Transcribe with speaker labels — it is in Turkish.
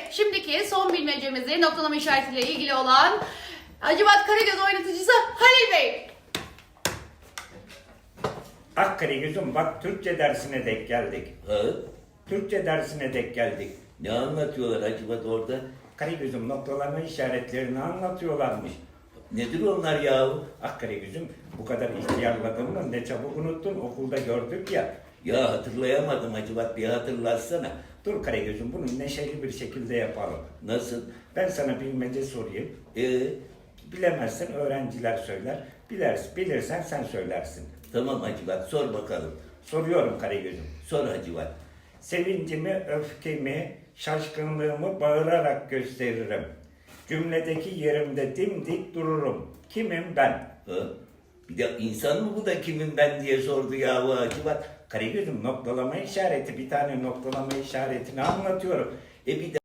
Speaker 1: şimdiki son bilmecemizi noktalama işaretiyle ilgili olan Hacivat Karagöz oynatıcısı Halil Bey.
Speaker 2: Karagöz'üm bak Türkçe dersine denk geldik.
Speaker 3: Ha?
Speaker 2: Türkçe dersine denk geldik.
Speaker 3: Ne anlatıyorlar Hacivat orada?
Speaker 2: Karagöz'üm noktalama işaretlerini anlatıyorlarmış.
Speaker 3: Nedir onlar yahu?
Speaker 2: Karagöz'üm bu kadar ihtiyarladın mı ne çabuk unuttun, okulda gördük ya.
Speaker 3: Ya hatırlayamadım Hacivat, bir hatırlatsana.
Speaker 2: Dur Karagöz'üm bunu neşeli bir şekilde yapalım.
Speaker 3: Nasıl?
Speaker 2: Ben sana bilmece sorayım.
Speaker 3: Ee,
Speaker 2: Bilemezsen öğrenciler söyler. Bilirsen sen söylersin.
Speaker 3: tamam Hacivat, sor bakalım.
Speaker 2: Soruyorum Karagöz'üm.
Speaker 3: Sor Hacivat.
Speaker 2: Sevincimi, öfkemi, şaşkınlığımı bağırarak gösteririm. Cümledeki yerimde dimdik dururum. Kimim ben?
Speaker 3: Ha? Bir de insan mı bu da kimin ben diye sordu yahu Hacivat.
Speaker 2: Karagöz'üm noktalama işareti, bir tane noktalama işaretini anlatıyorum.
Speaker 3: Bir de